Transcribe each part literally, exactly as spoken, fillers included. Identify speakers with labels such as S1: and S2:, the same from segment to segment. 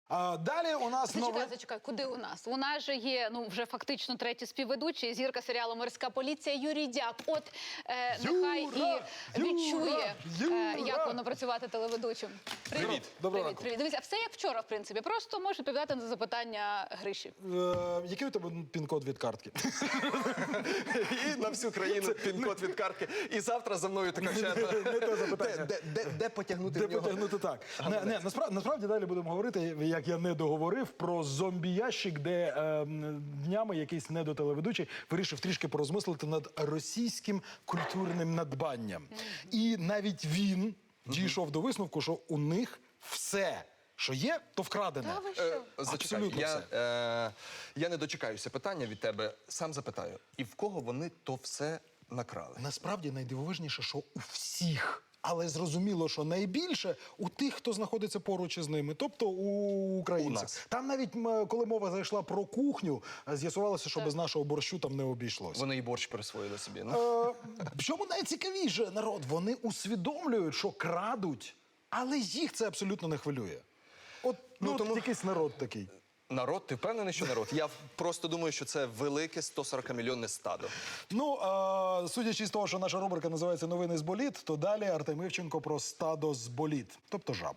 S1: А далі у нас
S2: Зачекай,
S1: нове...
S2: зачекай, куди у нас? У нас же є, ну, вже фактично третій співведучий, зірка серіалу «Морська поліція» Юрій Дяк. От е, нехай
S1: Юра!
S2: і відчує,
S1: Юра!
S2: е, як воно працювати телеведучим.
S3: Привіт.
S1: Доброго
S2: Привіт,
S1: ранку.
S2: привіт. Дивіться, все як вчора, в принципі. Просто можеш відповідати на запитання Гриші.
S1: Е, який у тебе пін-код від картки?
S3: І на всю країну пін-код від картки. І завтра за мною така черга.
S1: Не те запитання.
S3: Де, де, де, де потягнути
S1: Де
S3: в нього?
S1: потягнути так. Не, не, насправді, насправді далі будемо говорити, як я не договорив, про зомбі-ящик, де е, днями якийсь недотелеведучий вирішив трішки порозмислити над російським культурним надбанням. І навіть він дійшов до висновку, що у них все, що є, то вкрадене.
S2: Та ви що?
S3: Е, Зачекай,
S1: Абсолютно
S3: я,
S1: все.
S3: е, я не дочекаюся питання від тебе. Сам запитаю. І в кого вони то все накрали?
S1: Насправді найдивовижніше, що у всіх. Але зрозуміло, що найбільше у тих, хто знаходиться поруч із ними, тобто у українців.
S3: У нас.
S1: Там навіть, м, коли мова зайшла про кухню, з'ясувалося, що без нашого борщу там не обійшлося.
S3: Вони і борщ присвоїли собі. Ну?
S1: Е, в чому найцікавіше, народ? Вони усвідомлюють, що крадуть, але їх це абсолютно не хвилює. От, ну,
S3: Ну,
S1: от
S3: тому-
S1: якийсь народ такий.
S3: Народ? Ти впевнений, що народ? Я просто думаю, що це велике сто сорок мільйонне стадо.
S1: Ну, е, судячи з того, що наша рубрика називається «Новини з боліт», то далі Артем Івченко про стадо з боліт, тобто жаб.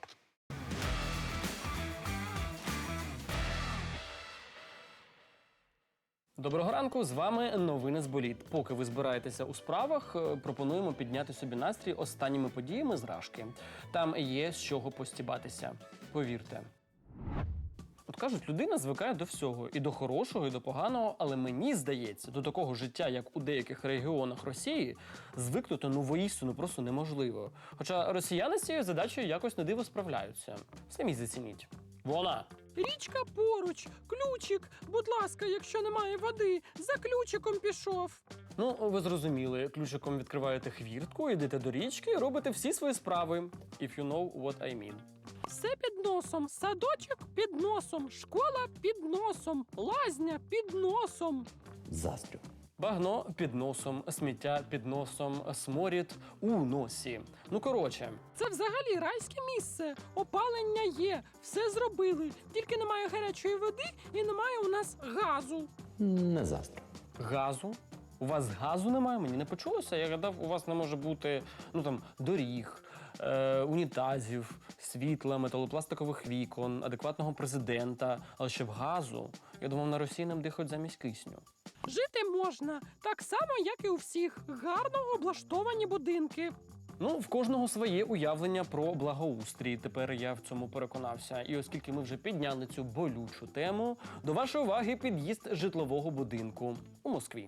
S4: Доброго ранку, з вами новини з боліт. Поки ви збираєтеся у справах, е, пропонуємо підняти собі настрій останніми подіями з Рашки. Там є з чого постібатися. Повірте. От кажуть, людина звикає до всього, і до хорошого, і до поганого, але мені здається, до такого життя, як у деяких регіонах Росії, звикнути ну воістину просто неможливо. Хоча росіяни з цією задачею якось на диво справляються. Самі зацініть. Вона.
S5: Річка поруч, ключик, будь ласка, якщо немає води, за ключиком пішов.
S4: Ну, ви зрозуміли, ключиком відкриваєте хвіртку, йдете до річки і робите всі свої справи. If you know what I mean.
S5: Все під носом, садочок під носом, школа під носом, лазня під носом.
S6: Заздрю.
S4: Багно під носом, сміття під носом, сморід у носі. Ну, коротше,
S5: Це взагалі райське місце. Опалення є, все зробили. Тільки немає гарячої води і немає у нас газу.
S6: Не заздрю.
S4: газу. У вас газу немає? Мені не почулося. Я гадав, у вас не може бути, ну там, доріг, е, унітазів, світла, металопластикових вікон, адекватного президента. Але ще в газу. Я думав, на Росії нам дихають замість кисню.
S5: Жити можна, так само, як і у всіх. Гарно облаштовані будинки.
S4: Ну, в кожного своє уявлення про благоустрій. Тепер я в цьому переконався. І оскільки ми вже підняли цю болючу тему, до вашої уваги під'їзд житлового будинку у Москві.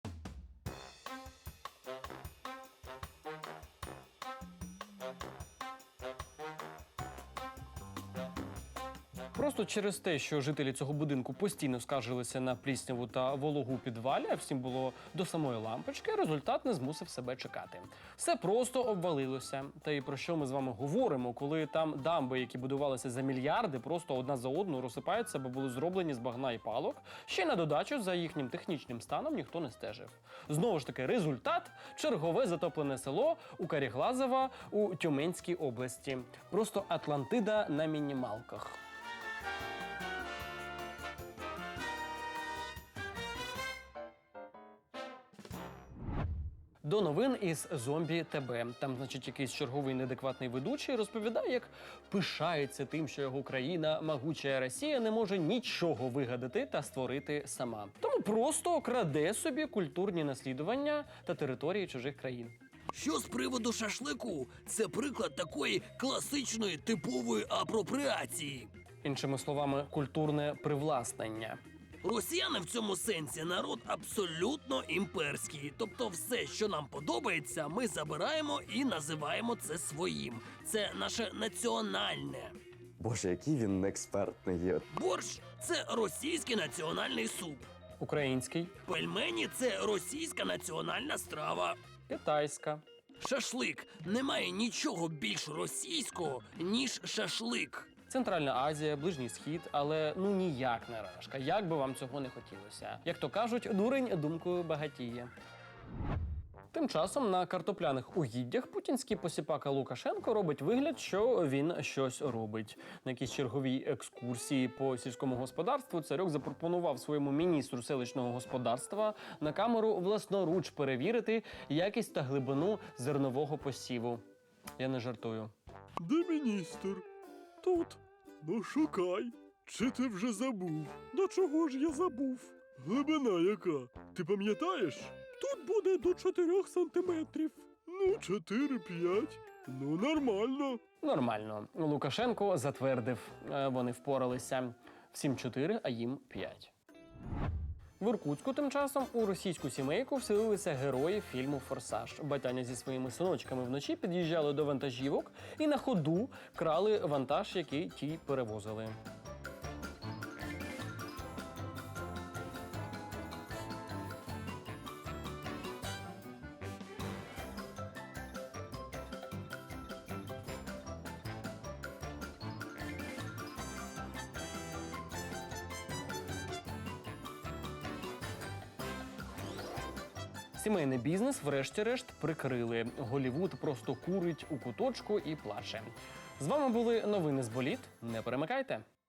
S4: Просто через те, що жителі цього будинку постійно скаржилися на плісняву та вологу у підвалі, а всім було до самої лампочки, результат не змусив себе чекати. Все просто обвалилося. Та й про що ми з вами говоримо, коли там дамби, які будувалися за мільярди, просто одна за одну розсипаються, бо були зроблені з багна і палок. Ще й на додачу за їхнім технічним станом ніхто не стежив. Знову ж таки, результат – чергове затоплене село у Каріглазово у Тюменській області. Просто Атлантида на мінімалках. До новин із зомбі ТБ. Там, значить, якийсь черговий неадекватний ведучий розповідає, як пишається тим, що його країна, могуча Росія, не може нічого вигадати та створити сама. Тому просто краде собі культурні наслідування та території чужих країн.
S7: Що з приводу шашлику? Це приклад такої класичної типової апропріації.
S4: Іншими словами, культурне привласнення.
S7: Росіяни в цьому сенсі народ абсолютно імперський. Тобто все, що нам подобається, ми забираємо і називаємо це своїм. Це наше національне.
S6: Боже, який він експертний є.
S7: Борщ – це російський національний суп.
S4: Український,
S7: Пельмені – це російська національна страва.
S4: китайська.
S7: Шашлик – немає нічого більш російського, ніж шашлик.
S4: Центральна Азія, Ближній Схід, але ну ніяк не Рашка, як би вам цього не хотілося. Як то кажуть, дурень думкою багатіє. Тим часом на картопляних угіддях путінський посіпака Лукашенко робить вигляд, що він щось робить. На якійсь черговій екскурсії по сільському господарству царьок запропонував своєму міністру селищного господарства на камеру власноруч перевірити якість та глибину зернового посіву. Я не жартую.
S8: Де міністр? Тут. Ну шукай. Чи ти вже забув? До чого ж я забув? Глибина яка? Ти пам'ятаєш? Тут буде до чотирьох сантиметрів. Ну, чотири-п'ять. Ну, нормально.
S4: Нормально. Лукашенко затвердив. Е, Вони впоралися. Всім чотири, а їм п'ять. В Іркутську тим часом у російську сімейку вселилися герої фільму «Форсаж». Батяня зі своїми синочками вночі під'їжджали до вантажівок і на ходу крали вантаж, який ті перевозили. Сімейний бізнес врешті-решт прикрили. Голлівуд просто курить у куточку і плаче. З вами були новини з боліт. Не перемикайте.